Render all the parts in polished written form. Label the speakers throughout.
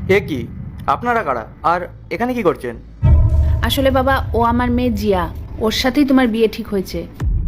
Speaker 1: এ কি? আপনারা কারা? আর এখানে কি করছেন?
Speaker 2: আসলে বাবা, ও আমার মেয়ে জিয়া। ওর সাথেই তোমার বিয়ে ঠিক হয়েছে।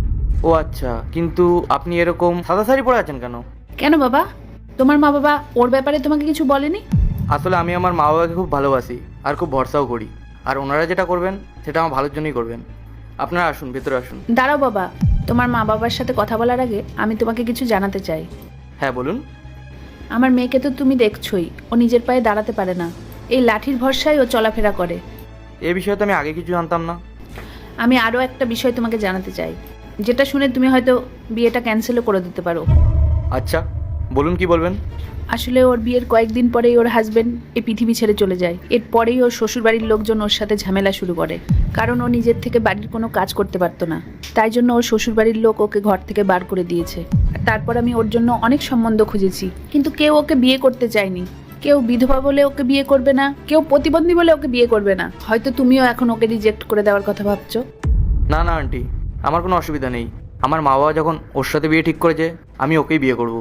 Speaker 1: ও আচ্ছা, কিন্তু আপনি এরকম সাদা শাড়ি পরে আছেন কেন?
Speaker 2: কেন বাবা, তোমার মা বাবা ওর ব্যাপারে তোমাকে কিছু বলেনি?
Speaker 1: আসলে আমি আমার মা বাবাকে খুব ভালোবাসি আর খুব ভরসাও করি। আর ওনারা যেটা করবেন সেটা আমার ভালোর জন্যই করবেন। আপনারা আসুন, ভেতরে আসুন।
Speaker 2: দাঁড়াও বাবা, তোমার মা বাবার সাথে কথা বলার আগে আমি তোমাকে কিছু জানাতে চাই।
Speaker 1: হ্যাঁ বলুন।
Speaker 2: আমার মেয়েকে তো তুমি দেখছোই, ও নিজের পায়ে দাঁড়াতে পারে না। এই লাঠির ভরসায় ও চলাফেরা করে।
Speaker 1: এ বিষয়ে তো আমি আগে কিছু জানতাম না।
Speaker 2: আমি আরও একটা বিষয় তোমাকে জানাতে চাই, যেটা শুনে তুমি হয়তো বিয়েটা ক্যান্সেলও করে দিতে পারো।
Speaker 1: আচ্ছা বলুন, কি বলবেন?
Speaker 2: আসলে ওর বিয়ের কয়েকদিন পরেই ওর হাজবেন্ড এই পৃথিবী ছেড়ে চলে যায়। এরপরেই ওর শ্বশুরবাড়ির লোকজন ওর সাথে ঝামেলা শুরু করে, কারণ ও নিজের থেকে বাড়ির কোনো কাজ করতে পারতো না। তাই জন্য ওর শ্বশুরবাড়ির লোক ওকে ঘর থেকে বার করে দিয়েছে। আর তারপর আমি ওর জন্য অনেক সম্বন্ধ খুঁজেছি, কিন্তু কেউ ওকে বিয়ে করতে চায়নি। কেউ বিধবা বলে ওকে বিয়ে করবে না, কেউ প্রতিবন্ধী বলে ওকে বিয়ে করবে না। হয়তো তুমিও এখন ওকে রিজেক্ট করে দেওয়ার কথা ভাবছো।
Speaker 1: না না আন্টি, আমার কোনো অসুবিধা নেই। আমার মা বাবা যখন ওর সাথে বিয়ে ঠিক করেছে, আমি ওকেই বিয়ে করব।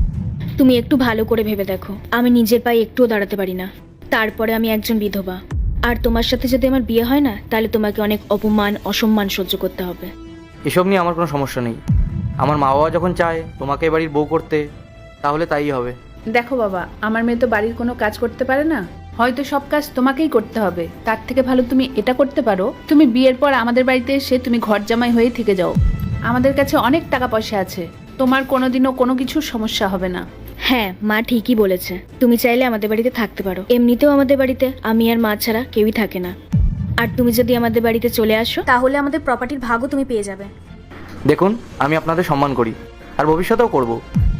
Speaker 3: তুমি একটু ভালো করে ভেবে দেখো, আমি নিজের পায়ে একটুও দাঁড়াতে পারি না, তারপরে আমি একজন বিধবা। আর তোমার সাথে যদি আমার বিয়ে হয় না, তাহলে তোমাকে অনেক অপমান অসম্মান সহ্য করতে হবে।
Speaker 1: এসব নিয়ে আমার কোনো সমস্যা নেই। আমার মা বাবা যখন চায় তোমাকে এ বাড়ির বউ করতে, তাহলে তাই হবে।
Speaker 2: দেখো বাবা, আমার মেয়ে তো বাড়ির কোনো কাজ করতে পারে না, হয়তো সব কাজ তোমাকেই করতে হবে। তার থেকে ভালো তুমি এটা করতে পারো, তুমি বিয়ের পর আমাদের বাড়িতে এসে তুমি ঘর জামাই হয়েই থেকে যাও। আমাদের কাছে অনেক টাকা পয়সা আছে, তোমার কোনোদিনও কোনো কিছুর সমস্যা হবে না।
Speaker 3: হ্যাঁ, মা ঠিকই বলেছে, তুমি চাইলে আমাদের বাড়িতে থাকতে পারো। এমনিতেও আমাদের বাড়িতে আমি আর মা ছাড়া কেউই থাকে না। আর তুমি যদি আমাদের বাড়িতে চলে আসো, তাহলে আমাদের প্রপার্টির ভাগও তুমি পেয়ে যাবে।
Speaker 1: দেখুন, আমি আপনাদের সম্মান করি আর ভবিষ্যতেও করব।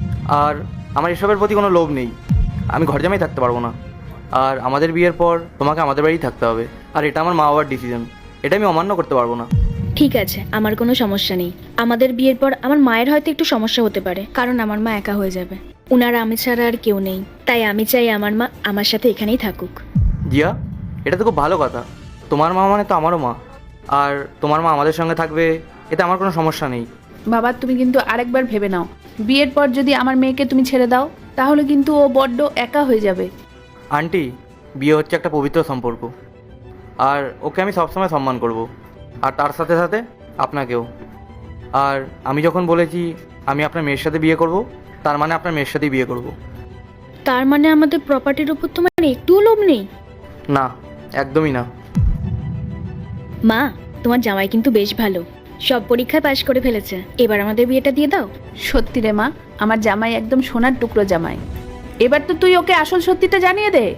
Speaker 1: আর আমার এসবের প্রতি কোনো লোভ নেই। আমি ঘর জামাই থাকতে পারবো না। আর আমাদের বিয়ের পর তোমাকে আমাদের বাড়িই থাকতে হবে। আর এটা আমার মা বাবার ডিসিশন, এটা আমি অমান্য করতে পারবো না।
Speaker 3: ঠিক আছে, আমার কোনো সমস্যা নেই। আমাদের বিয়ের পর আমার মায়ের হয়তো একটু সমস্যা হতে পারে, কারণ আমার মা একা হয়ে যাবে। উনারা আমি ছাড়া আর কেউ নেই, তাই আমি চাই আমার মা আমার সাথে এখানেই থাকুক।
Speaker 1: জিয়া, এটা তো খুব ভালো কথা। তোমার মা মানে তো আমারও মা। আর তোমার মা আমাদের সঙ্গে থাকবে, এতে আমার কোনো সমস্যা নেই।
Speaker 2: বাবা, তুমি কিন্তু আরেকবার ভেবে নাও। বিয়ের পর যদি আমার মেয়েকে তুমি ছেড়ে দাও, তাহলে কিন্তু ও বড্ড একা হয়ে যাবে।
Speaker 1: আন্টি, বিয়ে হচ্ছে একটা পবিত্র সম্পর্ক। আর ওকে আমি সবসময় সম্মান করব। আর তার সাথে সাথে আপনাকেও। আর আমি যখন বলেছি আমি আপনার মেয়ের সাথে বিয়ে করব, তার মানে আপনার মেয়ের সাথেই বিয়ে করব।
Speaker 3: তার মানে আমাদের প্রপার্টির উপর তোমার একটুও লোভ নেই?
Speaker 1: না, একদমই না।
Speaker 3: মা, তোমার জামাই কিন্তু বেশ ভালো, সব পরীক্ষায় পাশ করে ফেলেছে। এবার আমাদের বিয়েটা দিয়ে দাও।
Speaker 2: সত্যি রে মা, আমার জামাই একদম সোনার টুকরো জামাই। এবার তো তুই ওকে আসল সত্যিটা জানিয়ে দে।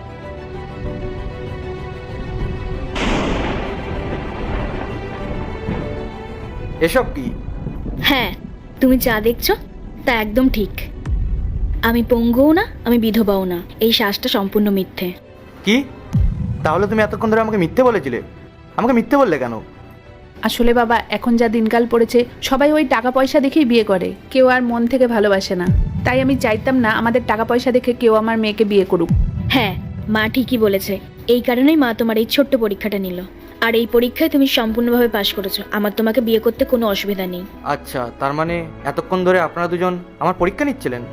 Speaker 1: এসব কি?
Speaker 3: হ্যাঁ, তুমি যা দেখছো তা একদম ঠিক। আমি পঙ্গুও না, আমি বিধবাও না। এই শ্বাসটা সম্পূর্ণ মিথ্যে।
Speaker 1: কি? তাহলে তুমি এতক্ষণ ধরে আমাকে মিথ্যে বলেছিলে? আমাকে মিথ্যে বললে কেন?
Speaker 2: আসলে বাবা, এখন যা দিনকাল পড়েছে, সবাই ওই টাকা পয়সা দেখেই বিয়ে করে, কেউ আর মন থেকে ভালোবাসে না। তাই আমি চাইতাম না আমাদের টাকা পয়সা দেখে কেউ আমার মেয়েকে বিয়ে করুক।
Speaker 3: হ্যাঁ, মা ঠিকই বলেছে। এই কারণেই মা তোমার এই ছোট্ট পরীক্ষাটা নিল। আর এই পরীক্ষায় তুমি সম্পূর্ণভাবে পাশ করেছো। আমার তোমাকে বিয়ে করতে কোনো অসুবিধা নেই।
Speaker 1: আচ্ছা, তার মানে এতক্ষণ ধরে আপনারা দুজন আমার পরীক্ষা নিচ্ছিলেন?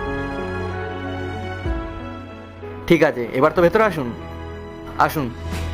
Speaker 1: ঠিক আছে, এবার তো ভেতরে আসুন। আসুন।